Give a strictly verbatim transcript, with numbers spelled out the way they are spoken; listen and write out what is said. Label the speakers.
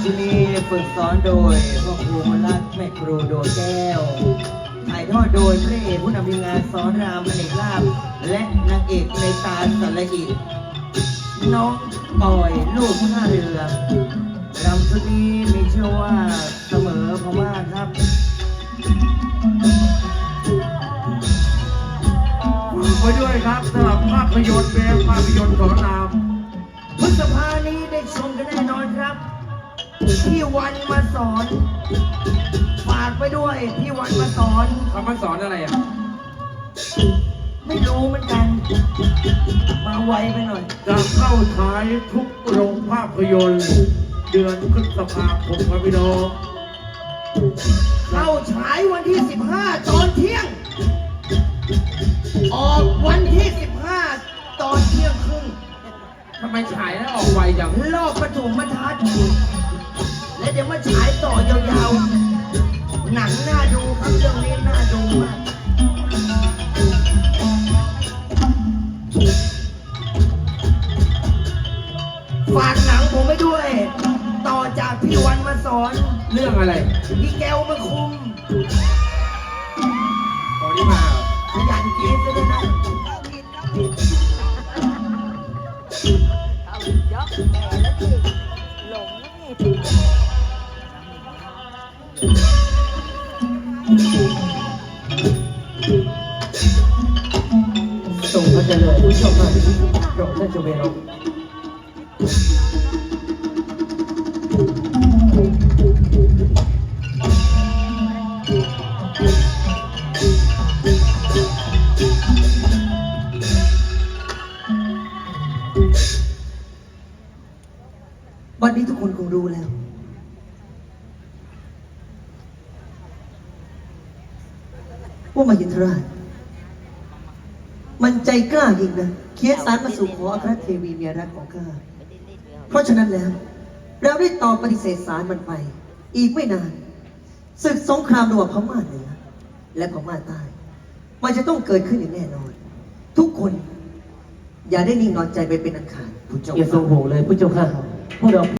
Speaker 1: ชุดนี้ฝึกสอนโดยพ่อครูมนรัตน์แม่ครูโดแก้วถ่ายทอดโดยพระเอกผู้นำทีมงานสอนรามอเนกลาภและนางเอกในตาสละอิน้องปอยลูกท่าเรือรำชุดนี้มีชื่อว่าเสมอพม่าครับ
Speaker 2: ไปด้วยครับสำหรับภาพยนตร์แบบภาพยนตร์สอนราม
Speaker 1: พฤษภานี้ได้ชมกันแน่นอนครับพี่วันมาสอนฝากไปด้วยพี่วันมาสอน
Speaker 2: เขามาสอนอะไรอ่ะ
Speaker 1: ไม่รู้เหมือนกันมาไวไปหน่อย
Speaker 2: จะเข้าฉายทุกโรงภาพยนตร์เดือนพฤษภาคมครับพี่น้อง
Speaker 1: เข้าฉายวันที่สิบห้าตอนเที่ยงออกวันที่สิบห้าตอนเที่ยงครึ่ง
Speaker 2: ทำไมฉายแล้วออกไวจัง
Speaker 1: รอบปฐมทัศน์และเดี๋ยวมาฉายต่อยาวๆหนังน่าดูครับเรื่องนี้น่าดูมากฝากหนังผมไปด้วย ต่อจากพี่วันมาสอน
Speaker 2: เรื่องอะไร
Speaker 1: พี่แก้วมาคุม
Speaker 2: ตอนนี้มา
Speaker 1: ขยันกินซะด้วยนะ
Speaker 3: เอายกแก่แล้วสิหลง
Speaker 1: นี่ส่งพระเจริญผู้ชมมาโปรดท่านจงเวรวันนี้ทุกคนคงรู้แล้วว่ามายินทราชมันใจกล้ายิ่งนะเขียนสารมาสู่ขออัครเทวีเมียรักของข้าเพราะฉะนั้นแล้วเราได้ตอบปฏิเสธสารมันไปอีกไม่นานศึกสงครามระหว่างพม่าเหนือและพม่าใต้มันจะต้องเกิดขึ้นอย่างแน่นอนทุกคนอย่าได้นิ่งนอนใจไปเป็นอันขาด
Speaker 4: อย่าทรงห่วงเลยผู้เจ้าข้าพวกเรา